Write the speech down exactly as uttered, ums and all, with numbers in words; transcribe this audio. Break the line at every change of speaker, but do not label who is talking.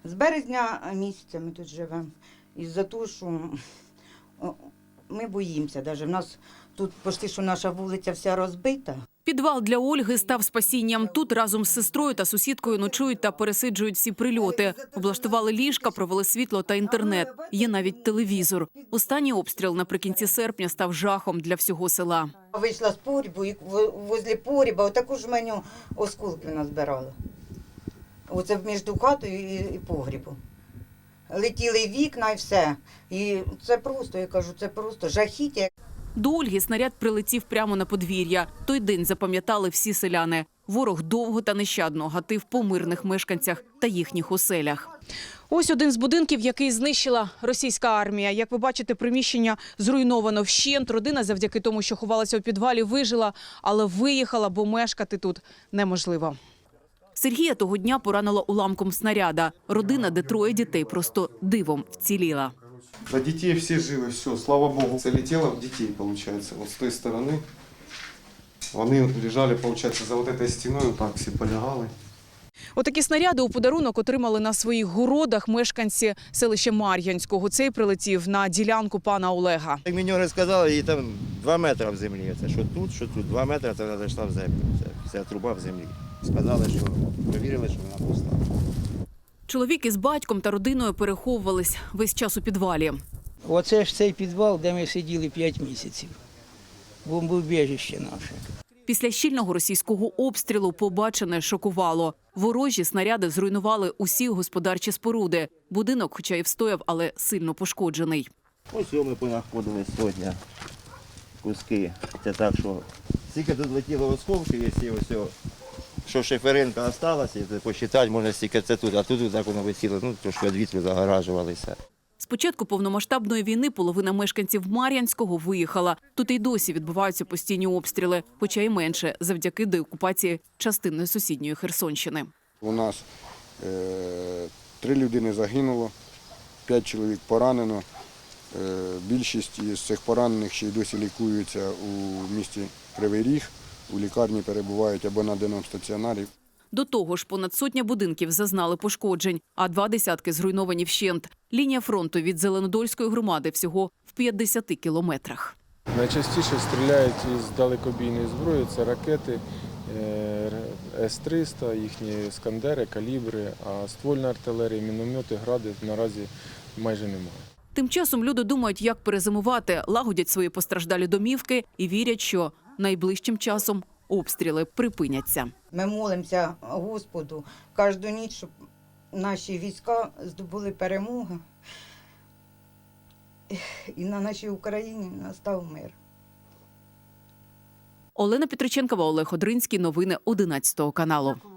З березня місяця ми тут живемо. Із-за того, що ми боїмося. Навіть. У нас тут почти що наша вулиця вся розбита.
Підвал для Ольги став спасінням. Тут разом з сестрою та сусідкою ночують та пересиджують всі прильоти. Облаштували ліжка, провели світло та інтернет. Є навіть телевізор. Останній обстріл наприкінці серпня став жахом для всього села.
Вийшла з погрібу і возле погріба отаку ж меню осколків назбирала. Оце між хатою і погрібом. Летіли вікна і все. І це просто, я кажу, це просто жахіття.
До Ольги снаряд прилетів прямо на подвір'я. Той день запам'ятали всі селяни. Ворог довго та нещадно гатив по мирних мешканцях та їхніх оселях. Ось один з будинків, який знищила російська армія. Як ви бачите, приміщення зруйновано вщент. Родина завдяки тому, що ховалася у підвалі, вижила, але виїхала, бо мешкати тут неможливо. Сергія того дня поранило уламком снаряда. Родина, де троє дітей, просто дивом вціліла.
На детей все живы, все, слава Богу. Залетело в детей, получается, вот с той стороны. Вони лежали, получается, за вот этой стеною, так всі полягали.
Отакі снаряди у подарунок отримали на своїх городах мешканці селища Мар'янського. Цей прилетів на ділянку пана Олега.
Як мені розказали, їй там два метри в землі. Це що тут, що тут, два метри, це вона зайшла в землю. Це вся труба в землі. Сказали, що перевірили, що вона пуста.
Чоловік із батьком та родиною переховувались весь час у підвалі.
Оце ж цей підвал, де ми сиділи п'ять місяців. Бомбоубіжище наше.
Після щільного російського обстрілу побачене шокувало. Ворожі снаряди зруйнували усі господарчі споруди. Будинок, хоча й встояв, але сильно пошкоджений.
Ось ми понаходили сьогодні куски. Це так, що стільки тут летіло осколків, якщо ось, що шиферинка залишилася, посчитати можна стільки це тут, а тут так воно висіло, ну, трошки від вітру загоражувалися.
З початку повномасштабної війни половина мешканців Мар'янського виїхала. Тут і досі відбуваються постійні обстріли, хоча й менше, завдяки деокупації частини сусідньої Херсонщини.
У нас е, три людини загинуло, п'ять чоловік поранено. Е, більшість із цих поранених ще й досі лікуються у місті Кривий Ріг. У лікарні перебувають або на денному стаціонарі.
До того ж, понад сотня будинків зазнали пошкоджень, а два десятки зруйновані вщент. Лінія фронту від Зеленодольської громади всього в п'ятдесяти кілометрах.
Найчастіше стріляють із далекобійної зброї, це ракети С триста, їхні «Іскандери», «Калібри», а ствольна артилерія, міномети, гради наразі майже немає.
Тим часом люди думають, як перезимувати, лагодять свої постраждалі домівки і вірять, що найближчим часом обстріли припиняться.
Ми молимося Господу кожну ніч, щоб наші війська здобули перемогу і на нашій Україні настав мир.
Олена Петриченкова, Олег Одринський. Новини одинадцятого каналу.